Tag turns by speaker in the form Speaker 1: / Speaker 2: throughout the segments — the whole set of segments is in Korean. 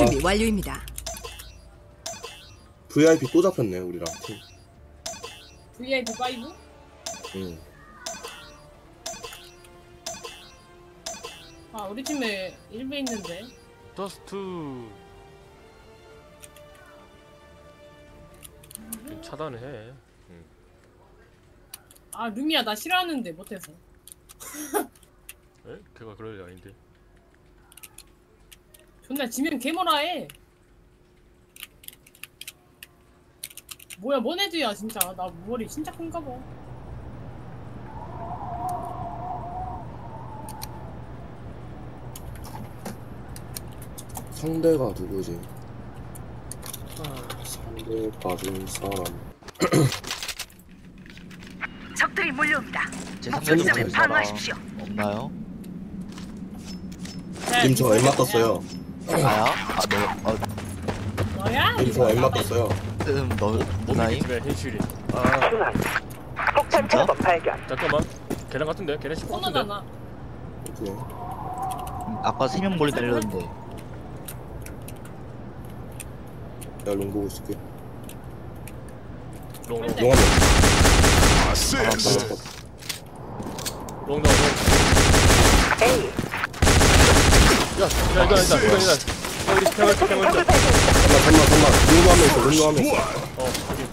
Speaker 1: 준비 완료입니다.
Speaker 2: VIP 또 잡혔네 우리랑 팀.
Speaker 3: VIP 5?
Speaker 2: 응.
Speaker 3: 아 우리 팀에 1배 있는데.
Speaker 4: 더스트. 차단을 해.
Speaker 3: 아 루미야 나 싫어하는데 못해서.
Speaker 4: 에? 걔가 그럴 리 아닌데.
Speaker 3: 존나 지면 개모라 해. 뭐야 뭔 애들이야 진짜. 나 머리 진짜 큰가 봐.
Speaker 2: 상대가 누구지? 상대 봐준 사람.
Speaker 5: 적들이 몰려옵니다.
Speaker 6: 제
Speaker 5: 목표 지점을
Speaker 6: 상대방 사람
Speaker 5: 방어하십시오.
Speaker 6: 없나요?
Speaker 2: 님 저 엠마 떴어요.
Speaker 6: 나야?
Speaker 3: 너야?
Speaker 2: 님 저 엠마 떴어요.
Speaker 6: 너 누나임?
Speaker 4: 집에 현실이. 아
Speaker 5: 폭탄
Speaker 6: 진짜?
Speaker 5: 트랩 발견.
Speaker 4: 잠깐만. 걔랑 같은데? 걔네 10 같은데?
Speaker 3: 코너잖아.
Speaker 2: 그래.
Speaker 6: 아까 3명 몰리 달렸는데
Speaker 2: 내가 롱 보고 있을게.
Speaker 4: 롱롱
Speaker 3: 네.
Speaker 2: 롱 한 명.
Speaker 4: 롱롱.
Speaker 5: A.
Speaker 4: 야, 이거 우리
Speaker 5: 폭탄
Speaker 4: 캐멀
Speaker 5: 적을 발견.
Speaker 2: 잠깐만. 롱도 한 명 있어. 롱도 한 명 있어.
Speaker 4: 확인.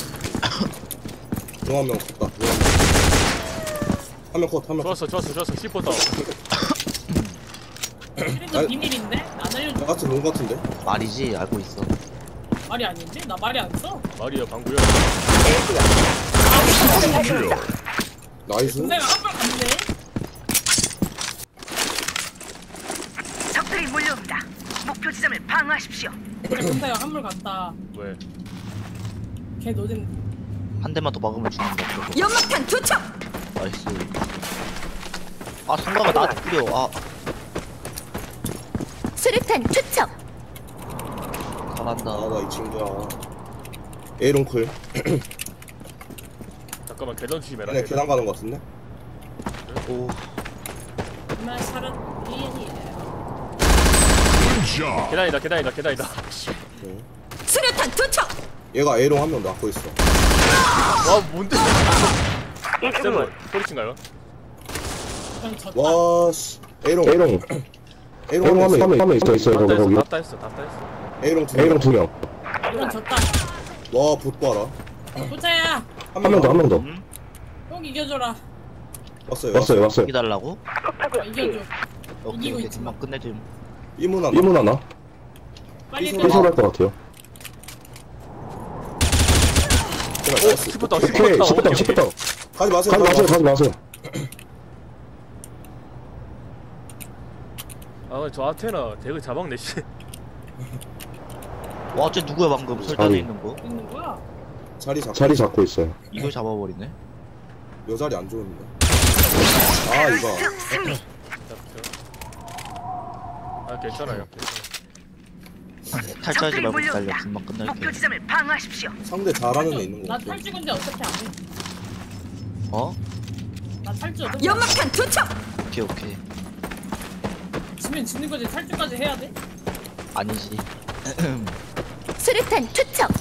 Speaker 2: 롱 한 명 컸다. 롱 한 명. 한 명 컷. 한 명 컷.
Speaker 4: 좋았어. 10% 다운.
Speaker 3: 이래도 비밀인데? 안 알려줘.
Speaker 2: 같은 롱 같은데?
Speaker 6: 말이지 알고 있어.
Speaker 3: 말이 아닌데? 나 말이 안 써?
Speaker 4: 말이야, 방구야.
Speaker 5: A야. 아군 발견이다.
Speaker 2: 나이스.
Speaker 3: 내가 한발 갔네?
Speaker 5: 적들이 몰려옵니다. 목표 지점을 방어하십시오.
Speaker 3: 그래 근데가 한물 갔다.
Speaker 4: 왜?
Speaker 3: 걔 노잼.
Speaker 6: 한 대만 더 막으면 죽는다. 저거.
Speaker 1: 연막탄 투척.
Speaker 6: 나이스. 아 성가가 나한테 뿌려.
Speaker 1: 수류탄 투척.
Speaker 6: 잘한다.
Speaker 2: 나 이 친구야. A롱 클.
Speaker 4: 잠깐만, 계단 조심해라.
Speaker 2: 그냥 계단 가는 거 같은데?
Speaker 6: 오
Speaker 3: 정말 사람 비엔이에요.
Speaker 4: 계단이다.
Speaker 2: 네.
Speaker 1: 수류탄 투척.
Speaker 2: 얘가 A롱 한 명 낳고 있어.
Speaker 4: 와, 뭔데?
Speaker 5: 이승훈.
Speaker 4: 쌤은 소리친가요?
Speaker 3: 그냥 졌다.
Speaker 2: 와 씨. A롱 A롱
Speaker 7: 화면 있어요 거기.
Speaker 4: 다 했어.
Speaker 2: A롱 두
Speaker 7: A롱
Speaker 2: 명.
Speaker 7: 2명.
Speaker 3: 이건 졌다.
Speaker 2: 와, 봇 봐라.
Speaker 3: 보자야.
Speaker 7: 한 명 더.
Speaker 3: 꼭 이겨줘라.
Speaker 2: 왔어요.
Speaker 6: 기다려고?
Speaker 5: 폭파구역 B.
Speaker 3: 이겨줘.
Speaker 6: 오케이
Speaker 3: 이기고
Speaker 6: 오케이
Speaker 3: 있지.
Speaker 6: 금방 끝내줌.
Speaker 2: 이문 하나.
Speaker 7: 1문 하나.
Speaker 3: 빨리
Speaker 2: 삐소리.
Speaker 3: 끝내.
Speaker 7: 삐소할 것 같아요.
Speaker 2: 제발,
Speaker 4: 10% 다운.
Speaker 7: 오케이 10분 다운.
Speaker 2: 가지 마세요.
Speaker 7: 가지 마세요.
Speaker 4: 아, 저 아테나 대그 자박네 씨.
Speaker 6: 와 쟤 누구야 방금 설단에
Speaker 7: 아니.
Speaker 6: 있는 거?
Speaker 3: 있는 거야?
Speaker 7: 자리 잡고 있어요.
Speaker 6: 이걸 잡아버리네.
Speaker 2: 요 자리 안 좋은데. 아, 이거.
Speaker 5: 승리.
Speaker 4: 아, 괜찮아요.
Speaker 6: 탈출하지
Speaker 5: 적들이
Speaker 6: 말고
Speaker 5: 몰려옵니다.
Speaker 6: 기다려. 금방
Speaker 5: 목표
Speaker 6: 끝날게.
Speaker 5: 지점을 방어하십시오.
Speaker 2: 상대 잘하는 애 있는 거
Speaker 3: 나
Speaker 2: 같아.
Speaker 3: 탈주근데 어차피 안 해.
Speaker 6: 어?
Speaker 3: 나 탈주 어차피 안 해.
Speaker 1: 연막탄 투척.
Speaker 6: 오케이.
Speaker 3: 지면 지는 거지. 탈주까지 해야 돼?
Speaker 6: 아니지.
Speaker 1: 수류탄 투척.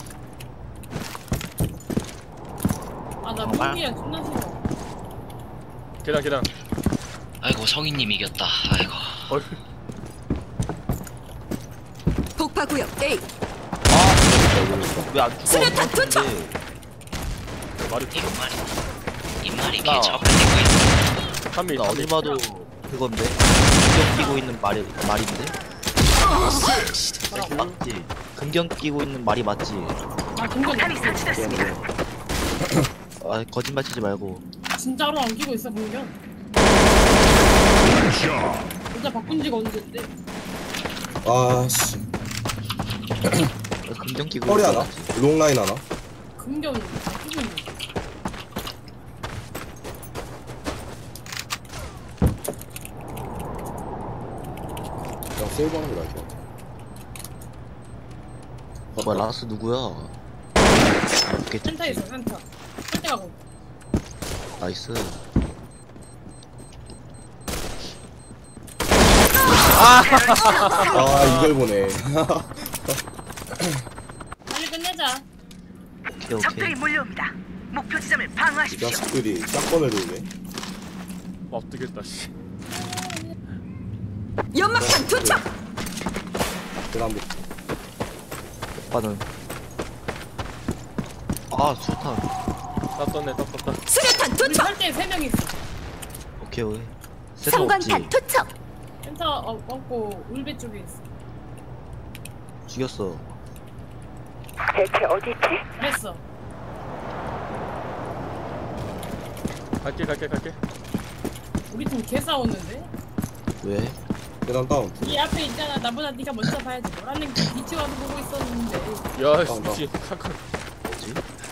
Speaker 3: 아나 루미야 존나 싫어.
Speaker 4: 계단.
Speaker 8: 아이고 성인님 이겼다. 아이고.
Speaker 1: 폭파구역 A.
Speaker 6: 왜안 죽어?
Speaker 1: 수류탄 투척.
Speaker 4: 말이
Speaker 8: 이말이
Speaker 6: 나-
Speaker 8: 개 적을 내고 있어.
Speaker 4: 한미
Speaker 6: 나 어디 봐도 그건데. 금경 끼고 있는 말인데. 맞지? 금경 끼고 있는 말이 맞지?
Speaker 3: 나 공격
Speaker 5: 폭탄이 설치됐습니다.
Speaker 6: 아 거짓말 치지 말고.
Speaker 3: 진짜로 안 끼고 있어 공격. 진짜 바꾼 지가 언제인데?
Speaker 2: 아, 씨.
Speaker 6: 금경 끼고
Speaker 2: 허리
Speaker 6: 있어.
Speaker 2: 하나? 롱 라인 하나?
Speaker 3: 공격 안 끼고 있는 거.
Speaker 2: 그냥 세이브 하는 게 나을 것 같아.
Speaker 6: 뭐야 라스 누구야? 오케이
Speaker 3: 센터 있어 센터. 센터 가고.
Speaker 6: 나이스.
Speaker 2: 아 이걸 보네.
Speaker 3: 빨리 끝내자.
Speaker 6: 오케이
Speaker 5: 적들이
Speaker 6: 오케이.
Speaker 5: 몰려옵니다. 목표 지점을
Speaker 2: 이
Speaker 5: 방어하십시오.
Speaker 2: 자식들이 짝건을 돌네.
Speaker 4: 엎드겠다 씨.
Speaker 1: 연막탄 투척.
Speaker 2: 그다음
Speaker 6: 오빠는 아 수탄.
Speaker 4: 딱 떴네 딱 떴다.
Speaker 1: 수류탄
Speaker 3: 우리
Speaker 1: 투척.
Speaker 3: 설때 3명 있어.
Speaker 6: 오케이 오케이. 세트 없지.
Speaker 1: 성광탄 투척.
Speaker 3: 센터 없고 울배 쪽에 있어.
Speaker 6: 죽였어.
Speaker 5: 대체 어디 있지?
Speaker 3: 그랬어.
Speaker 4: 갈게.
Speaker 3: 우리 팀 개 싸웠는데?
Speaker 6: 왜?
Speaker 2: 계단 다운.
Speaker 3: 이 앞에 있잖아. 나보다 네가 먼저 봐야지. 너라는 뒤치 와서 보고 있었는데.
Speaker 4: 야
Speaker 2: 나.
Speaker 4: 미친 카카.
Speaker 6: 뭐지?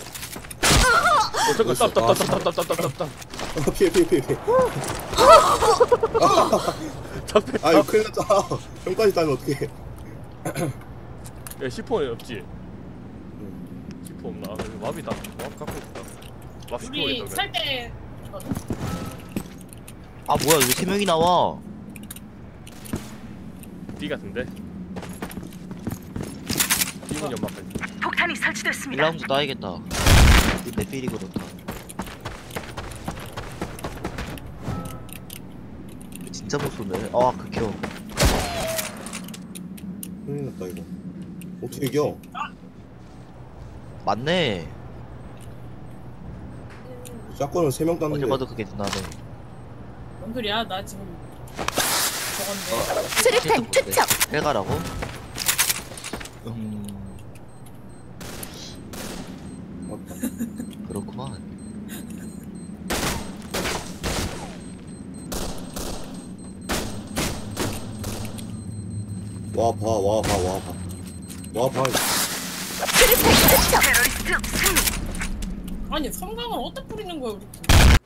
Speaker 4: 잠깐 땀.
Speaker 2: 피해.
Speaker 4: 잡해.
Speaker 2: 아유 큰일 났잖아. 형까지 따면 어떡해.
Speaker 4: 야 시폰 없지? 시폰 없나? 왑이다. 왑 갖고 있다. 왑 시폰
Speaker 3: 우리
Speaker 4: 있다.
Speaker 3: 살때
Speaker 6: 아 뭐야 왜 3명이 나와?
Speaker 4: D 같은데? D문 연막까지.
Speaker 5: 폭탄이 설치됐습니다.
Speaker 6: 1라운드 따야겠다. 내 필이 그렇다. 진짜 못 쏘네. 아 극혐.
Speaker 2: 큰일 났다 이거. 어떻게 이겨?
Speaker 6: 맞네.
Speaker 2: 짝건을 3명
Speaker 6: 어제
Speaker 2: 땄는데.
Speaker 6: 봐도 그게 누나네.
Speaker 3: 뭔 소리야? 나 지금 저건데.
Speaker 1: 수류탄 투척.
Speaker 6: 해가라고?
Speaker 2: 맞다.
Speaker 6: 그렇구만.
Speaker 2: 와 봐.
Speaker 1: 수류탄 투척.
Speaker 5: 테러리스트 승리.
Speaker 3: 아니 성광을 어디다 뿌리는 거야 우리 팀?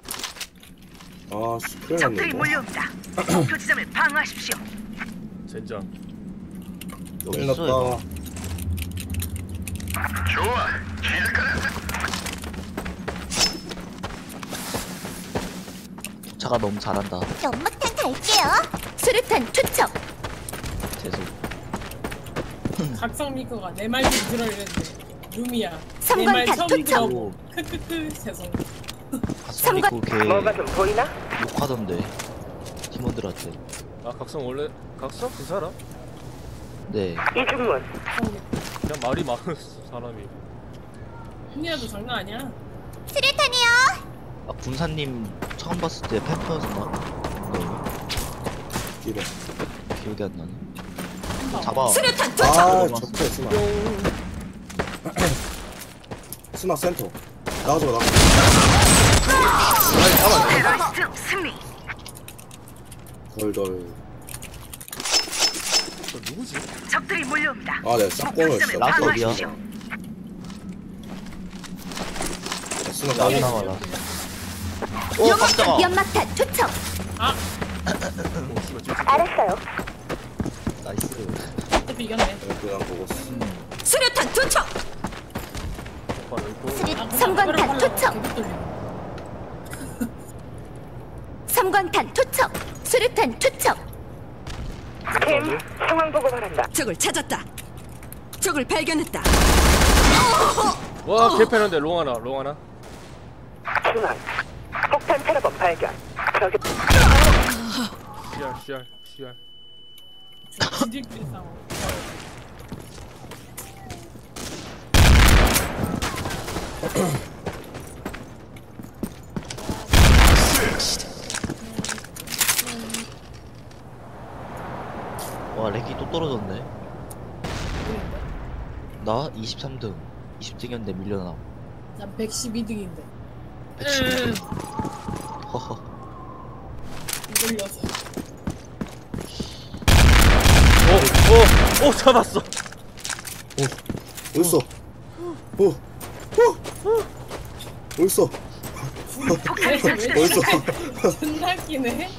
Speaker 2: 아씨 큰일 났네
Speaker 5: 적들이
Speaker 2: 이거.
Speaker 5: 몰려옵니다. 목표 지점을 방어하십시오.
Speaker 4: 젠장.
Speaker 6: 여기
Speaker 2: 큰일
Speaker 6: 있어 이거. 차가 너무 잘한다.
Speaker 1: 연막탄 갈게요. 수류탄 투척.
Speaker 6: 죄송.
Speaker 3: 각성미커가 내 말 좀 들어 이랬는데 루미야 내
Speaker 1: 성광탄
Speaker 3: 말 처음
Speaker 1: 투척.
Speaker 3: 들어보 크크크 죄송.
Speaker 6: 가슴이 걔
Speaker 5: 좀 보이나?
Speaker 6: 욕하던데. 팀원들한테.
Speaker 4: 아 각성 원래 각성 괜찮아?
Speaker 6: 네.
Speaker 5: 이중문.
Speaker 4: 그냥 말이 많은 사람이.
Speaker 3: 루미야도 장난 아니야.
Speaker 1: 수류탄이요.
Speaker 6: 아 군사님 처음 봤을 때 팬퍼였나? 네.
Speaker 2: 이래.
Speaker 6: 기억이 안 나네. 잡아.
Speaker 1: 수류탄 투척.
Speaker 2: 아 적대 스나. 스나 센터. 나가줘.
Speaker 5: 테러리스트 승리.
Speaker 2: 덜덜.
Speaker 4: 저 누구지?
Speaker 5: 적들이 몰려옵니다.
Speaker 2: 아 내가
Speaker 5: 목표
Speaker 2: 짝건을
Speaker 5: 지점을
Speaker 2: 진짜.
Speaker 6: 라스 어디야?
Speaker 5: 방어하십시오.
Speaker 2: 스나
Speaker 6: 나도
Speaker 2: 나가.
Speaker 6: 나와라. 오 깜짝아.
Speaker 1: 연막탄 투척.
Speaker 4: 오 씨발 지금
Speaker 1: 알았어요.
Speaker 6: 나이스.
Speaker 3: 어차피 이겼네.
Speaker 2: 그냥 보고.
Speaker 1: 수류탄 투척.
Speaker 4: 오빠 있고.
Speaker 1: 성광탄 투척. 성광탄 투척. 수류탄 투척.
Speaker 5: 팀 상황 보고 바란다.
Speaker 1: 적을 찾았다. 적을 발견했다.
Speaker 4: 와 개패는데 롱 하나.
Speaker 5: 중앙. 폭탄 테러범 발견. 저기
Speaker 4: CR.
Speaker 3: 지들끼리 싸워.
Speaker 6: 와 렉이 또 떨어졌네. 나 23등. 20등이었는데 밀려나.
Speaker 3: 난 112등인데.
Speaker 6: 110등. 허허.
Speaker 3: 이걸 려서.
Speaker 4: 오 잡았어.
Speaker 2: 어딨어? 어딨어?
Speaker 5: 폭탄이
Speaker 2: 어딨어?
Speaker 5: 설치됐습니다.
Speaker 3: 존나 끼네.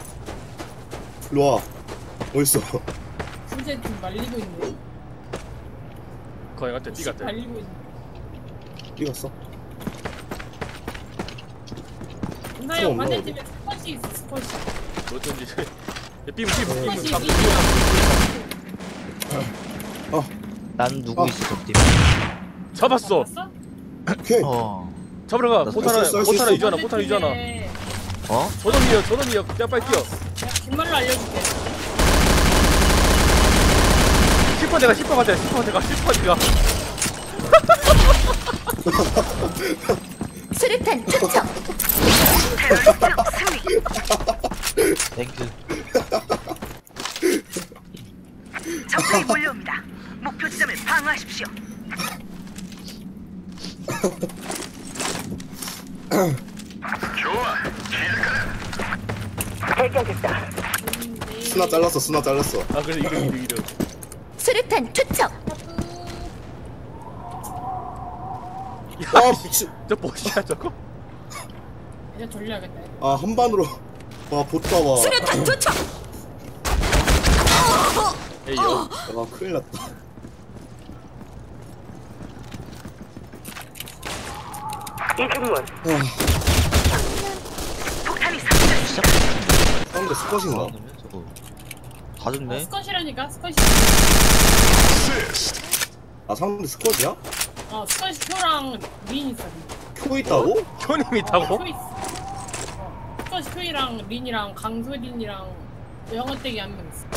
Speaker 2: 일로와. 어딨어?
Speaker 3: 진짜 좀 말리고 있네.
Speaker 4: 거기 갔대 D 갔대.
Speaker 3: 말리고 있네.
Speaker 2: 이겼어?
Speaker 3: 나형
Speaker 2: 없나,
Speaker 3: 반대팀에 스쿼시 있어 스쿼시.
Speaker 4: 어쩐지 삐부
Speaker 6: 난 누구 있어 저 팀?
Speaker 4: 잡았어.
Speaker 3: 봤어?
Speaker 7: 오케이.
Speaker 4: 잡으러 가.
Speaker 6: 나
Speaker 4: 포탄
Speaker 7: 쏠 수
Speaker 4: 하나
Speaker 7: 있어.
Speaker 4: 유지하나. 포탄 유지하나.
Speaker 6: 어?
Speaker 4: 저놈이야. 그냥 빨리 뛰어.
Speaker 3: 내가 뒷말로 알려줄게.
Speaker 4: 10번 내가 10번 가자. 10번 내가.
Speaker 1: 수류탄 투척.
Speaker 6: 땡큐.
Speaker 5: 적군이 몰려옵니다. 목표 지점을 방어하십시오. 발견됐다.
Speaker 2: 스나 잘랐어.
Speaker 4: 아 그래 이득.
Speaker 1: 수류탄 투척.
Speaker 2: 아 미친.
Speaker 4: 저 뭐야 저거?
Speaker 3: 이제 돌려야겠다.
Speaker 2: 아 한 반으로. 와 보다 와.
Speaker 1: 수류탄 투척.
Speaker 4: 에이요.
Speaker 2: 와 큰일 났다.
Speaker 5: 이중문. 폭탄이
Speaker 2: 사람들 스쿼신가?
Speaker 6: 그러면 저거 다 죽네.
Speaker 3: 스컷이라니까 스컷이.
Speaker 2: 아 사람들 스쿼시야?
Speaker 3: 스컷이 표랑 린 있어.
Speaker 2: 표 있다고?
Speaker 4: 현임 있다고?
Speaker 3: 표 있어. 스컷이 표이랑 린이랑 강소린이랑 영어떼기 한 명 있어.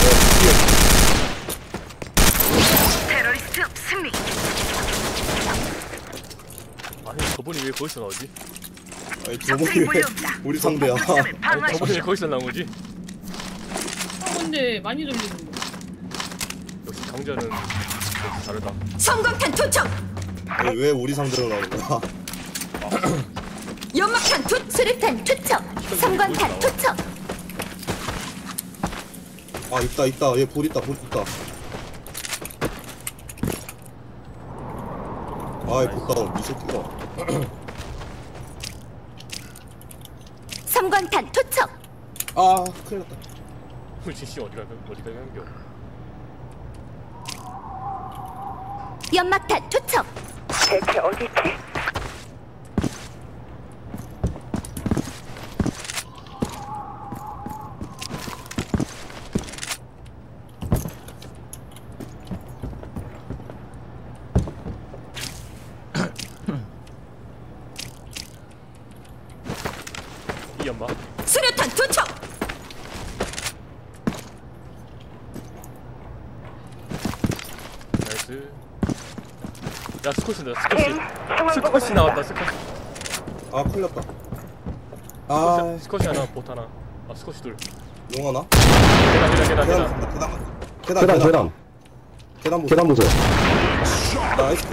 Speaker 5: 테러리스트 승리.
Speaker 4: 아니 저분이 왜 거기서 나오지?
Speaker 2: 아니 저분이 왜 우리 상대야?
Speaker 4: 아니 저분이 왜 거기서 나온 거지?
Speaker 3: 근데 많이 돌리는데.
Speaker 4: 역시 강자는 역시 다르다.
Speaker 1: 성광탄 투척.
Speaker 2: 아니 왜 우리 상대로 나오는 거야?
Speaker 1: 연막탄 수류탄 투척. 성광탄 투척.
Speaker 2: 아 있다. 얘 볼 있다. 아이 보다운 이 새끼가.
Speaker 1: 섬광탄 투척.
Speaker 2: 아 큰일 났다.
Speaker 4: 우리 씨 어디가 연겨?
Speaker 1: 연막탄 투척.
Speaker 5: 대체 어디지?
Speaker 4: 이 엄마.
Speaker 1: 수류탄 투척.
Speaker 4: 나이스. 야 스쿼시다.
Speaker 5: 팀 상황 보고
Speaker 4: 스쿼시 나왔다. 스쿼시.
Speaker 2: 아 큰일 났다. 아
Speaker 4: 스쿼시 하나, 보트 하나. 아 스쿼시 둘.
Speaker 2: 용하나?
Speaker 4: 계단.
Speaker 2: 계단 보세요. 나이스.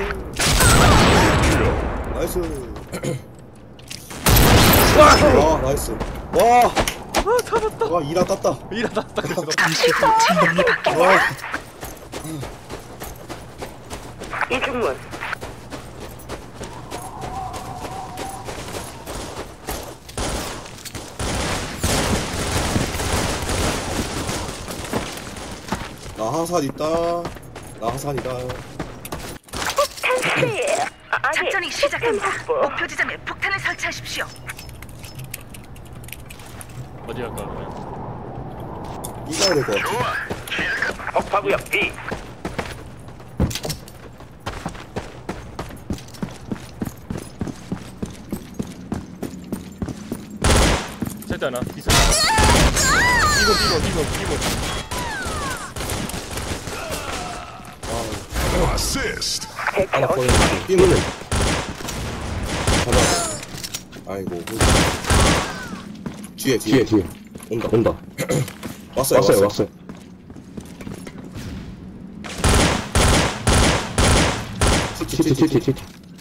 Speaker 2: 와 나이스. 와
Speaker 4: 잡았다.
Speaker 2: 와 이라 땄다.
Speaker 4: 일어났다. 그래서
Speaker 2: 와
Speaker 5: 이중문.
Speaker 2: 나 하산 있다. 나 하산이다.
Speaker 5: 작전이 시작합니다. 목표 지점에 폭탄을 설치하십시오.
Speaker 4: 어디 갈까 그러면?
Speaker 2: 이겨야 될 것 같아.
Speaker 5: 폭파구역 B.
Speaker 4: 절대 하나. 있어. 이거.
Speaker 5: 대체
Speaker 2: 하나
Speaker 5: 어디?
Speaker 2: 거의 뛰는. 아이고. 뒤에. 온다. 왔어요. 티티.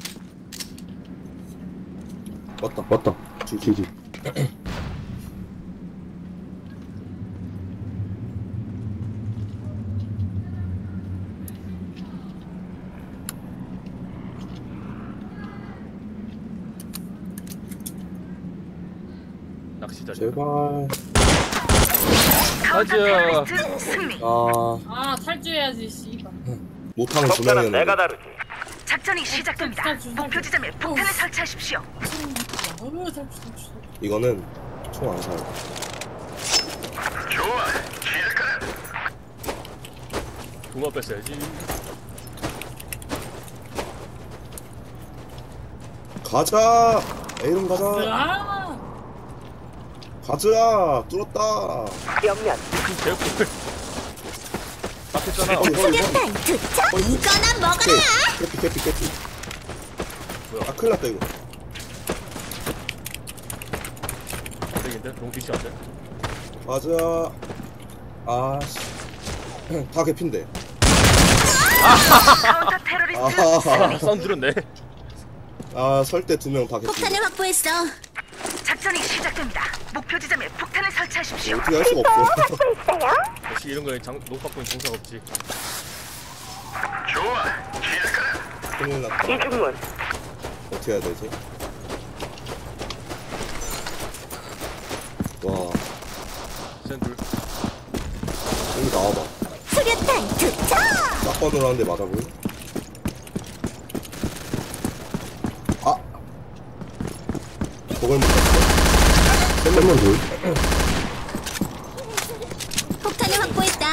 Speaker 2: 왔다. 뒤.
Speaker 4: 낚시자.
Speaker 2: 제발.
Speaker 4: 가자.
Speaker 5: 테러리스트 승리.
Speaker 3: 탈주해야지 씨발.
Speaker 2: 못하는 두 명이었는데.
Speaker 5: 다르지. 작전이 시작됩니다. 목표 지점에 폭탄을 설치하십시오.
Speaker 3: 탈주.
Speaker 2: 이거는 총 안 사요.
Speaker 4: 동화 뺐어야지.
Speaker 2: 가자. A롱 가자.
Speaker 3: 아,
Speaker 2: 가자. 뚫었다.
Speaker 5: 옆면
Speaker 4: 개꿀. 딱 했잖아.
Speaker 1: 수류탄 투척. 이거나 먹어라.
Speaker 2: 캐피.
Speaker 4: 뭐야?
Speaker 2: 아 큰일 났다 이거.
Speaker 4: 안 되겠는데? 너무 뒤치 안 돼?
Speaker 2: 가자. 아씨. 다 개핀데.
Speaker 5: 카운터 테러리스트
Speaker 2: 아,
Speaker 4: 사운드 들었네.
Speaker 2: 아 설대 2명 다 개핀.
Speaker 1: 폭탄을 확보했어.
Speaker 5: 작전이 시작됩니다. 목표 지점에 폭탄을 설치하십시오.
Speaker 2: 어떻게 할 수가 없어.
Speaker 4: 역시 이런 거에 녹박보인 정상 없지.
Speaker 2: 큰일 났다.
Speaker 5: 이중문
Speaker 2: 어떻게 해야 되지? 와,
Speaker 4: 센둘.
Speaker 2: 여기 나와봐.
Speaker 1: 수류탄 투척.
Speaker 2: 딱 봐도 하는데 맞아 보여? 아! 저걸 못 봤어.
Speaker 7: 셀먼 둘.
Speaker 1: 폭탄을 확보했다.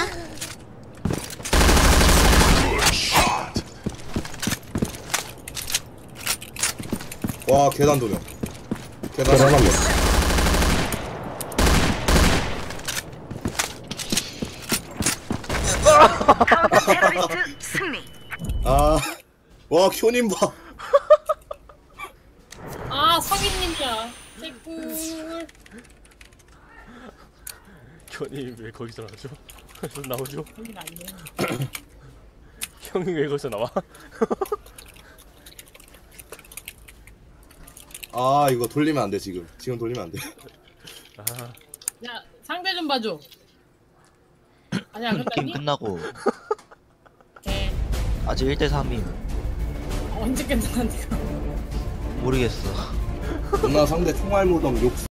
Speaker 2: 와, 계단 도명. 계단
Speaker 7: 계단 한 명.
Speaker 5: 카운터 테러리스트 승리.
Speaker 2: 아, 와, 큐님 봐.
Speaker 3: 아 성인님이야. 개꿀.
Speaker 4: 현이 왜 거기서 나오죠? 거기서 나오죠?
Speaker 3: 여긴 아니네.
Speaker 4: 형이 왜 거기서 나와?
Speaker 2: 아, 이거 돌리면 안 돼, 지금. 지금 돌리면 안 돼.
Speaker 4: 아,
Speaker 3: 야 상대 좀 봐줘. 아니야
Speaker 6: 게임
Speaker 3: 끝났니?
Speaker 6: 끝나고
Speaker 3: 개.
Speaker 6: 아직 1대3임.
Speaker 3: 언제 끝났는데?
Speaker 6: 모르겠어.
Speaker 2: 누나 상대 총알 무덤 욕